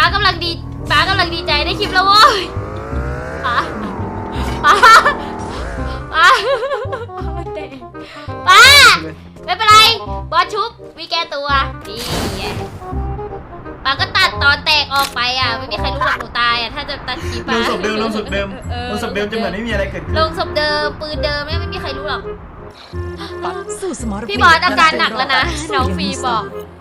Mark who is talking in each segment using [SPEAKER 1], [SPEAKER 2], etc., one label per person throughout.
[SPEAKER 1] ากำลังดีใจได้คลิปแล้วโว้ยป้าเตะป้าไม่เป็นไรบอสชุบวีแกตัวดีไงป้าก็ตัดตอนแตกออกไปอ่ะไม่มีใครรู้หรอกหนูตายอ่ะถ้าจะตัดคลิป
[SPEAKER 2] ลงศพเดิมจะเหมือนไม่มีอะไรเกิดขึ้น
[SPEAKER 1] ลงศพเดิมปืนเดิมไม่มีใครรู้หรอก
[SPEAKER 3] สู้สมรภูมิ
[SPEAKER 1] พี่บอสอาการหนักแล้วนะน้องฟีบอก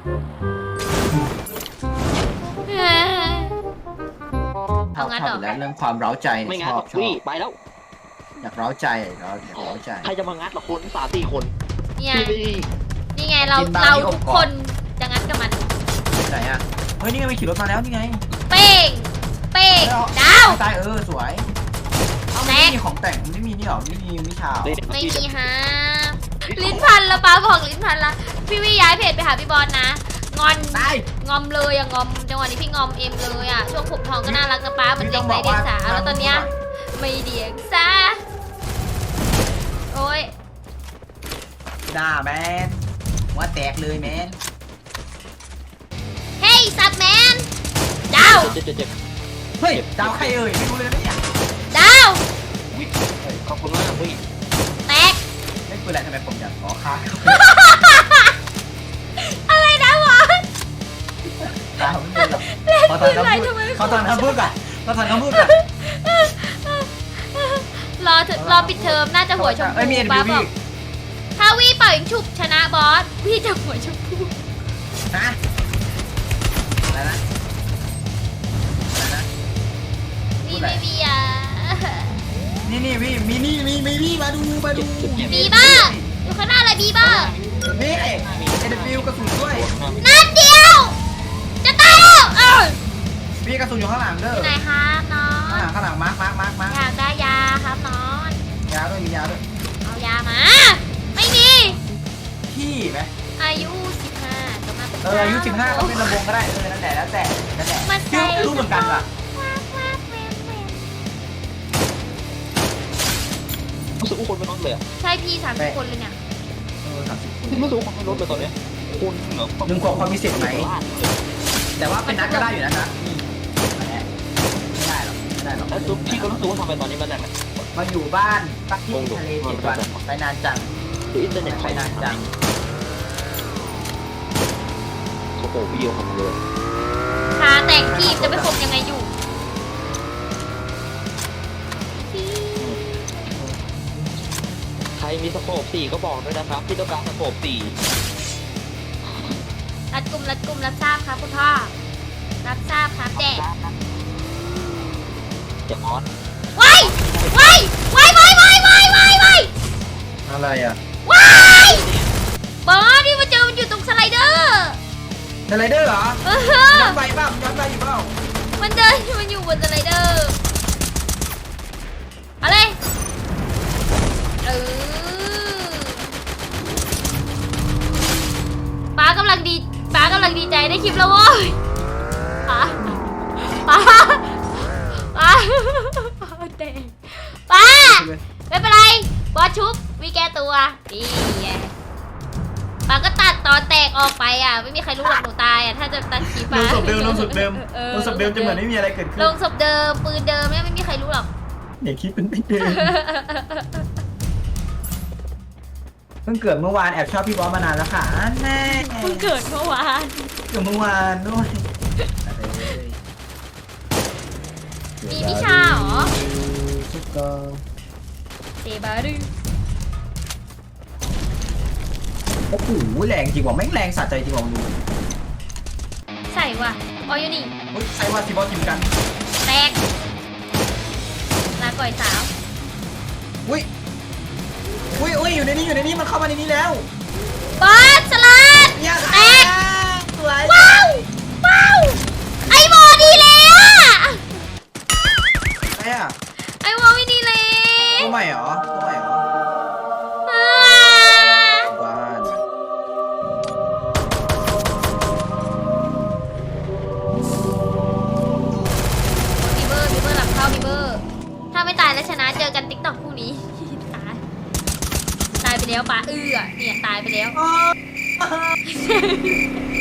[SPEAKER 1] เอางั้นเหรอ
[SPEAKER 2] แล้วเรื่องความเร้าใจ
[SPEAKER 4] ไม่
[SPEAKER 2] ช
[SPEAKER 4] งัด
[SPEAKER 2] อ
[SPEAKER 4] หร
[SPEAKER 2] บอก ชอ
[SPEAKER 4] พี่
[SPEAKER 2] บ
[SPEAKER 4] ไปแล้ว
[SPEAKER 2] อยากเร้าใจเราอยากเร้าใจ
[SPEAKER 4] ใครจะมางัดหรอคน3-4 คน
[SPEAKER 1] เนี่ย
[SPEAKER 4] พี่
[SPEAKER 1] นี่ไงเราทุกคนจะงั้นกับมัน
[SPEAKER 2] ไหนอ่ะเฮ้ยนี่ไงมีขี่รถมาแล้วนี่ไง
[SPEAKER 1] เป้งดาว
[SPEAKER 2] ตายสวยเอาไม่มีของแต่งไม่มีนี่หรอไม่มีวิชา
[SPEAKER 1] ไม่มีฮะลิ้นพันแล้วป้าบอกลิ้นพันละพี่วิย้ายเพจไปหาพี่บอลนะงอน
[SPEAKER 2] ตาย
[SPEAKER 1] งอมเลยอะงอมจังหวะนี้พี่งอมเอ็มเลยอะช่วงผมทองก็น่ารักนะป้าเหมือนเด็กไร้เดียงสาแล้วตอนเนี้ยไม่เดียงสาโอ้ย
[SPEAKER 2] หน้าแมนหัวแตกเลยแมน
[SPEAKER 1] เฮ้ยสัตว์แมนดาว
[SPEAKER 4] เจ็บ
[SPEAKER 2] เฮ้ยดาวใครเอ่ยไม่รู้เลยนะเนี่ย
[SPEAKER 1] ดาว
[SPEAKER 4] ขอบคุณมากพี่
[SPEAKER 1] แตก
[SPEAKER 2] ไม่ปืนอะไรทำไมผมอยากขอค้า
[SPEAKER 1] อะไรนะวะ
[SPEAKER 2] ดาวไม่เป็นหรอกขอตอนคำพูดขอตอนคำพูดก่อนขอตอนคำพูดก่อน
[SPEAKER 1] รอปิดเทอมน่าจะหัวชมพู
[SPEAKER 2] มี
[SPEAKER 1] ป้า
[SPEAKER 2] NBV
[SPEAKER 1] บอกถ้าวี่เป่ายิงฉุบชนะบอสวี่จะหัวชมพู
[SPEAKER 2] ฮะอะไรนะอะไรนะ
[SPEAKER 1] วี่ไม่มีอ่ะ
[SPEAKER 2] นี่พี่มีพี่มาดู
[SPEAKER 1] บีบ้าอยู่ข้างหน้าเลยบีบ้า
[SPEAKER 2] นี่เอ็นฟิวกระสุนด้วย
[SPEAKER 1] นัดเดียวจะตายแล้ว
[SPEAKER 2] พี่กระสุนอยู่ข้างหลังเด้อ
[SPEAKER 1] ไหนครับน้อง
[SPEAKER 2] ข้างหลังมาร์ค
[SPEAKER 1] อยากได้ยาครับน้อง
[SPEAKER 2] ยาด้วยมียาด้วย
[SPEAKER 1] เอายามาไม่มี
[SPEAKER 2] พี่ไหม
[SPEAKER 1] อายุ15ก็มาเป็น
[SPEAKER 2] อายุ15ก็เป็นระบงก็ได้นั่นแหละแล้วแต่ชื่อรู้เหมือนกันว่ะ
[SPEAKER 4] รู้สึกว่าคนไม่ลดเลย
[SPEAKER 1] ใช่พี่30 คนเลยเนี่ย
[SPEAKER 2] 30
[SPEAKER 4] รู้สึกว่าคนไม่ลดเลยตอนนี้คุณเหรอ
[SPEAKER 2] 1 ขวบความมีสิทธิ์ไหมแต่ว่าเป็นนัดก็ได้อยู่นะครับไม่ได้หรอก
[SPEAKER 4] แล้วพี่ก็รู้สึกว่าทำไมตอนนี้มันแรง
[SPEAKER 2] มาอยู่บ้านปักที่ทะเล7 วันไปนานจัง
[SPEAKER 4] คืออินเทอร์เน็ต
[SPEAKER 2] ไปนานจัง
[SPEAKER 4] โอ้โหวิดีโอของเลย
[SPEAKER 1] ขาแตกทีบจะไปคมยังไงอยู่
[SPEAKER 4] ใครมีสโคป4ก็บอกด้วยนะครับที่ต้องการสโคป4
[SPEAKER 1] รัดกลุ่มรับทราบครับคุณพ่อรับทราบครับแจก
[SPEAKER 4] อย่ามอส
[SPEAKER 1] ว้าย
[SPEAKER 2] อะไรอ่ะ
[SPEAKER 1] บอสนี่มาเจอมันอยู่ตรงสไลเดอร์
[SPEAKER 2] สไลเดอร์เหรอ
[SPEAKER 1] เออ
[SPEAKER 2] ย้อนไปเปล่าย้อนไปอยู่เปล่า
[SPEAKER 1] มันเดินมันอยู่บนสไลเดอร์เอาเลยป้ากำลังดีใจได้คลิปแล้วโว้ยป้าเตะป้าไม่เป็นไรบอสชุบวีแกตัวดีไงป้าก็ตัดตอนแตกออกไปอ่ะไม่มีใครรู้หรอกหนูตายอ่ะถ้าจะตัดคลิป
[SPEAKER 2] ลงศพเดิมจะเหมือนไม่มีอะไรเกิดขึ้น
[SPEAKER 1] ลงศพเดิมปืนเดิมไม่มีใครรู้หรอก
[SPEAKER 2] อย่าคิดเป็นไม่เดิมเพิ่งเกิดเมื่อวานแอบชอบพี่บอสมานานแล้วค่ะแน่
[SPEAKER 1] เพิ่งเกิดเมื่อวาน
[SPEAKER 2] เกิดเมื่อวานด้วย
[SPEAKER 1] มีวิชาเหรอเซบารึ
[SPEAKER 2] โอ้โหแรงจริงว่ะแม่งแรงสะใจจริงว่ะดู
[SPEAKER 1] ใส่ว่ะออยูนี่
[SPEAKER 2] ใช่ว่าพี่บอสทีมกัน
[SPEAKER 1] แตกลาก่อยสาว
[SPEAKER 2] อุ้ยอยู่ในนี้มันเข้ามาในนี้แล้ว
[SPEAKER 1] บอสสลัด
[SPEAKER 2] เนี่ย
[SPEAKER 1] แตก
[SPEAKER 2] สวย
[SPEAKER 1] ว้าวไอวอดีเลยอะ
[SPEAKER 2] อะไรอ่ะ
[SPEAKER 1] ไอวอไม่ดีเลย
[SPEAKER 2] ตัวใหม่เหรอ
[SPEAKER 1] อ่า
[SPEAKER 2] บ้าน
[SPEAKER 1] บีเบอร์หลับเข้าบีเบอร์ถ้าไม่ตายแล้วชนะเจอกันติ๊กต็อกพรุ่งนี้ ตายไปแล้วป้าเนี่ยตายไปแล้ว